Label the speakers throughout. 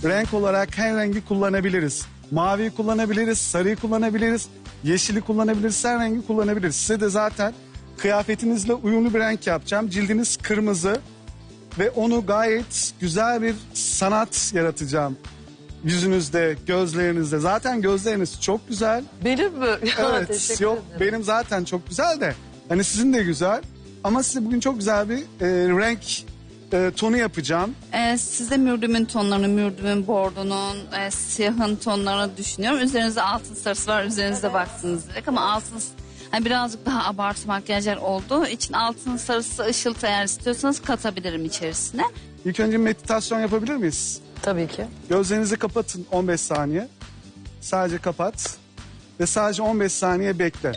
Speaker 1: renk olarak her rengi kullanabiliriz. Maviyi kullanabiliriz, sarıyı kullanabiliriz, yeşili kullanabiliriz, her rengi kullanabiliriz. Size de zaten kıyafetinizle uyumlu bir renk yapacağım. Cildiniz kırmızı ve onu gayet güzel bir sanat yaratacağım. Yüzünüzde, gözlerinizde. Zaten gözleriniz çok güzel.
Speaker 2: Benim mi?
Speaker 1: Evet,
Speaker 2: Teşekkür
Speaker 1: yok
Speaker 2: ederim.
Speaker 1: benim zaten çok güzel de. Hani sizin de güzel. Ama size bugün çok güzel bir renk tonu yapacağım.
Speaker 3: Size mürdümün tonlarını, mürdümün bordonun, siyahın tonlarını düşünüyorum. Üzerinizde altın sarısı var, üzerinizde baksınız direkt ama altın hani birazcık daha abartı makyajlar olduğu için altın sarısı ışıltı eğer istiyorsanız katabilirim içerisine.
Speaker 1: İlk önce meditasyon yapabilir miyiz?
Speaker 2: Tabii ki.
Speaker 1: Gözlerinizi kapatın 15 saniye. Sadece kapat. Ve sadece 15 saniye bekle.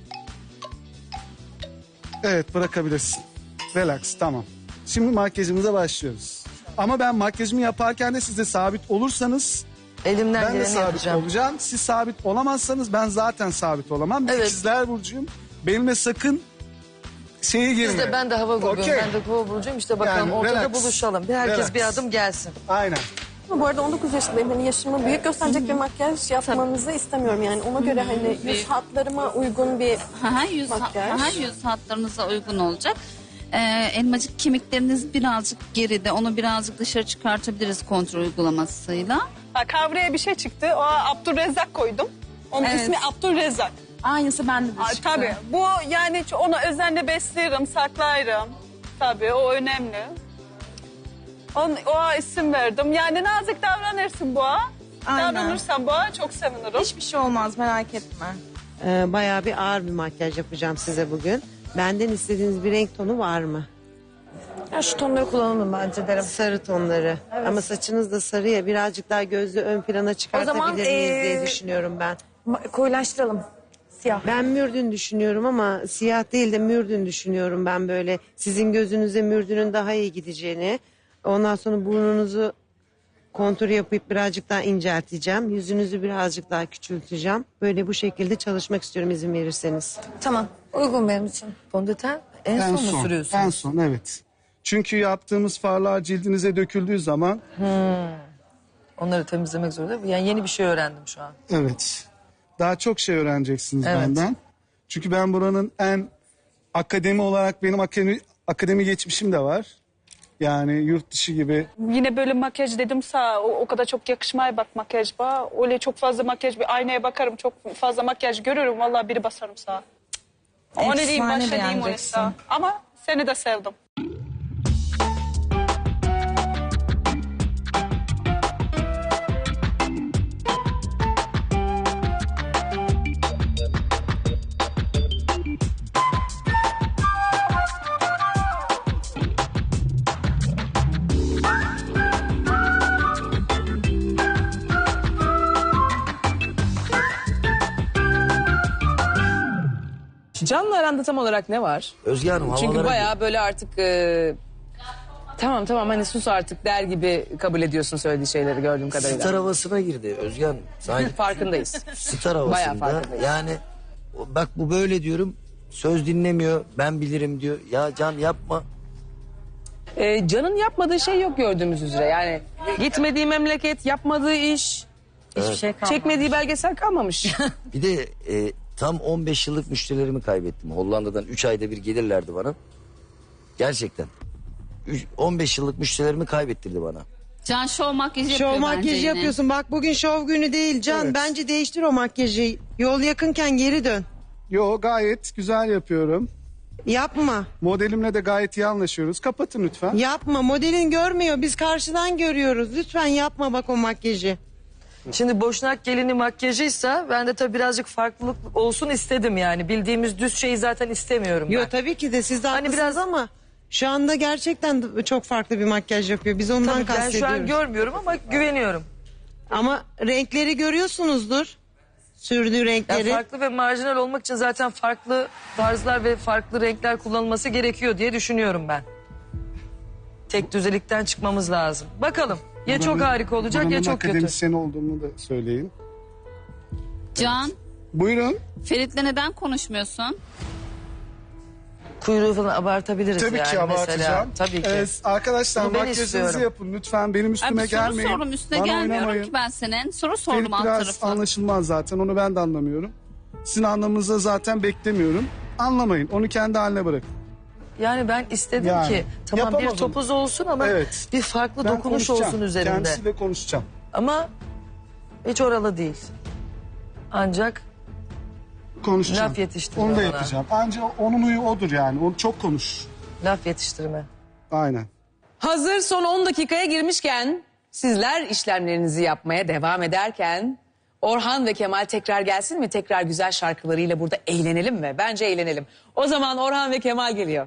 Speaker 1: Evet, bırakabilirsin. Relax, tamam. Şimdi makyajımıza başlıyoruz. Ama ben makyajımı yaparken de siz de sabit olursanız
Speaker 2: Elimden
Speaker 1: ben de
Speaker 2: geleni
Speaker 1: sabit
Speaker 2: yapacağım.
Speaker 1: olacağım. Siz sabit olamazsanız ben zaten sabit olamam. Ben
Speaker 2: Evet.
Speaker 1: İkizler Burcu'yum. Benimle sakın şeye girme.
Speaker 2: Biz de ben de hava grubuyum.
Speaker 1: Okey.
Speaker 2: Ben de kova burcuyum. İşte bakalım
Speaker 1: Yani
Speaker 2: ortada
Speaker 1: relax.
Speaker 2: buluşalım. Herkes
Speaker 1: Relax.
Speaker 2: bir adım gelsin.
Speaker 1: Aynen.
Speaker 4: Ama bu arada 19 yaşındayım. Hani yaşımı büyük gösterecek bir makyaj yapmanızı istemiyorum. Yani ona göre hani yüz hatlarıma uygun bir
Speaker 3: Yüz hatlarınıza uygun olacak. Elmacık kemikleriniz birazcık geride. Onu birazcık dışarı çıkartabiliriz kontrol uygulamasıyla.
Speaker 5: Kavraya bir şey çıktı. O Abdülrezzak koydum. Onun
Speaker 6: Evet.
Speaker 5: ismi Abdülrezzak.
Speaker 6: Aynısı bende de çıktı.
Speaker 5: Tabii. Bu yani ona özenle beslerim, saklarım. Tabii o önemli. O isim verdim. Yani nazik davranırsın boğa.
Speaker 6: Aynen.
Speaker 5: Davranırsan boğa çok sevinirim.
Speaker 6: Hiçbir şey olmaz merak etme.
Speaker 7: Bayağı bir ağır bir makyaj yapacağım size bugün. Benden istediğiniz bir renk tonu var mı?
Speaker 2: Ya şu tonları kullanalım bence derim.
Speaker 7: Sarı tonları. Ama saçınız da sarı ya, birazcık daha gözlü ön plana çıkartabilir
Speaker 2: zaman,
Speaker 7: miyiz diye düşünüyorum ben.
Speaker 2: Koyulaştıralım. Siyah.
Speaker 7: Ben mürdün düşünüyorum ama siyah değil de mürdün düşünüyorum ben böyle. Sizin gözünüze mürdünün daha iyi gideceğini. Ondan sonra burnunuzu kontur yapıp birazcık daha incelteceğim. Yüzünüzü birazcık daha küçülteceğim. Böyle bu şekilde çalışmak istiyorum izin verirseniz.
Speaker 2: Tamam. Uygun benim için. Fondöten en son mu sürüyorsun?
Speaker 1: En son, evet. Çünkü yaptığımız farlar cildinize döküldüğü zaman
Speaker 2: Onları temizlemek zorunda. Yani yeni bir şey öğrendim şu an.
Speaker 1: evet daha çok şey öğreneceksiniz
Speaker 2: Evet.
Speaker 1: benden. Çünkü ben buranın en akademi olarak benim akademi geçmişim de var. Yani yurt dışı gibi.
Speaker 5: Yine böyle makyaj dedimse o kadar çok yakışmaya bak makyaj bana. Öyle çok fazla makyaj bir aynaya bakarım çok fazla makyaj görürüm vallahi biri basarım sağa. O ne diyeyim
Speaker 6: Efsane
Speaker 5: başa diyeyim onu
Speaker 6: beğeneceksin.
Speaker 5: sağa. Ama seni de sevdim.
Speaker 8: Can'la aranda tam olarak ne var?
Speaker 9: Özge Hanım
Speaker 8: Çünkü
Speaker 9: havalara...
Speaker 8: bayağı böyle artık tamam hani sus artık der gibi kabul ediyorsun söylediği şeyleri gördüğüm kadarıyla.
Speaker 9: Star havasına girdi Özge Hanım. Sanki
Speaker 8: Farkındayız.
Speaker 9: star
Speaker 8: Bayağı
Speaker 9: havasında.
Speaker 8: farkındayız.
Speaker 9: Yani bak bu böyle diyorum. Söz dinlemiyor. Ben bilirim diyor. Ya Can yapma.
Speaker 8: Can'ın yapmadığı şey yok gördüğümüz üzere. Yani gitmediği memleket, yapmadığı iş,
Speaker 2: Hiçbir şey kalmadı.
Speaker 8: çekmediği belgesel kalmamış.
Speaker 9: Bir de tam 15 yıllık müşterilerimi kaybettim. Hollanda'dan 3 ayda bir gelirlerdi bana. Gerçekten. 15 yıllık müşterilerimi kaybettirdi bana.
Speaker 3: Can şov makyajı yapıyor
Speaker 7: Şov
Speaker 3: bence
Speaker 7: makyajı
Speaker 3: yine.
Speaker 7: yapıyorsun. Bak bugün şov günü değil Can.
Speaker 1: Evet.
Speaker 7: Bence değiştir o makyajı. Yol yakınken geri dön.
Speaker 1: Yo, gayet güzel yapıyorum.
Speaker 7: Yapma.
Speaker 1: Modelimle de gayet iyi anlaşıyoruz. Kapatın lütfen.
Speaker 7: Yapma. Modelin görmüyor. Biz karşıdan görüyoruz. Lütfen yapma bak o makyajı.
Speaker 2: Şimdi Boşnak gelini makyajıysa ben de tabii birazcık farklılık olsun istedim yani. Bildiğimiz düz şeyi zaten istemiyorum ben.
Speaker 7: Yo tabii ki de siz de
Speaker 2: Hani
Speaker 7: haklısınız
Speaker 2: biraz-
Speaker 7: ama şu anda gerçekten çok farklı bir makyaj yapıyor. Biz ondan
Speaker 2: Tabii ben şu
Speaker 7: kastediyoruz.
Speaker 2: an görmüyorum ama güveniyorum.
Speaker 7: Ama renkleri görüyorsunuzdur. Sürdüğü
Speaker 2: Yani
Speaker 7: renkleri.
Speaker 2: farklı ve marjinal olmak için zaten farklı tarzlar ve farklı renkler kullanılması gerekiyor diye düşünüyorum ben. Tek düzelikten çıkmamız lazım. Bakalım ya çok harika olacak ya
Speaker 1: Buranın
Speaker 2: çok kötü.
Speaker 1: akademisyen olduğumu da söyleyin.
Speaker 3: Can,
Speaker 1: Buyurun.
Speaker 3: Ferit'le neden konuşmuyorsun?
Speaker 2: kuyruğu falan abartabiliriz
Speaker 1: Tabii
Speaker 2: yani
Speaker 1: ki
Speaker 2: mesela.
Speaker 1: abartacağım.
Speaker 2: Tabii ki.
Speaker 1: Arkadaşlar
Speaker 2: Bunu ben
Speaker 1: makyajınızı
Speaker 2: istiyorum.
Speaker 1: yapın. Lütfen benim
Speaker 3: Ay,
Speaker 1: üstüme
Speaker 3: bir soru
Speaker 1: gelmeyin.
Speaker 3: sordum üstüne
Speaker 1: Bana
Speaker 3: gelmiyorum
Speaker 1: oynamayın.
Speaker 3: ki ben senin. Soru
Speaker 1: Ferit
Speaker 3: sordum alt
Speaker 1: biraz
Speaker 3: tarafı.
Speaker 1: anlaşılmaz zaten. Onu ben de anlamıyorum. Sizin anlamanızı zaten beklemiyorum. Anlamayın. Onu kendi haline bırakın.
Speaker 2: Yani ben istedim
Speaker 1: Yani,
Speaker 2: ki tamam bir
Speaker 1: yapamadım.
Speaker 2: topuz olsun ama
Speaker 1: Evet.
Speaker 2: bir farklı
Speaker 1: Ben
Speaker 2: dokunuş
Speaker 1: konuşacağım.
Speaker 2: olsun üzerinde.
Speaker 1: Kendisiyle konuşacağım.
Speaker 2: Ama hiç oralı değil. Ancak
Speaker 1: Konuşacağım.
Speaker 2: Laf yetiştirme
Speaker 1: Onu da
Speaker 2: bana.
Speaker 1: yapacağım. Ancak onun huyu odur yani. O çok konuş.
Speaker 2: laf yetiştirme.
Speaker 1: Aynen.
Speaker 8: Hazır son 10 dakikaya girmişken sizler işlemlerinizi yapmaya devam ederken Orhan ve Kemal tekrar gelsin mi? Tekrar güzel şarkılarıyla burada eğlenelim mi? Bence eğlenelim. O zaman Orhan ve Kemal geliyor.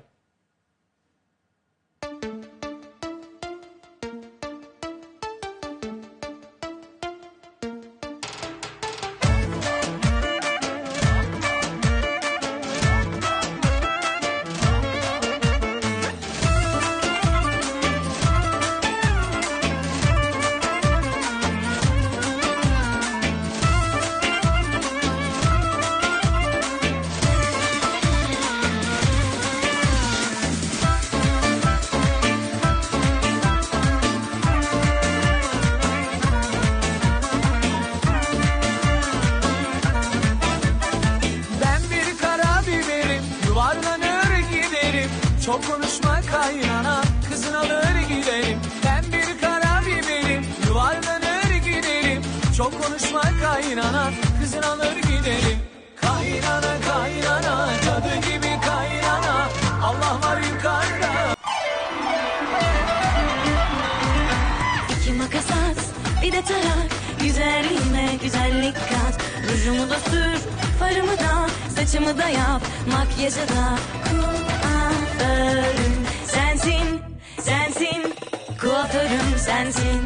Speaker 10: Ben bir kara biberim, yuvarlanır giderim. Çok konuşma kaynana, kızın alır giderim. Ben bir kara biberim, yuvarlanır giderim. Çok konuşma kaynana, kızın alır giderim. Kaynana kaynana, cadı gibi kaynana. Allah var yukarıda.
Speaker 11: İki makas at, bir de tarak. Güzelliğime güzellik kat. Rujumu da sür, farımı da, saçımı da yap. Makyajı da kuaförüm sensin, sensin. Kuaförüm sensin.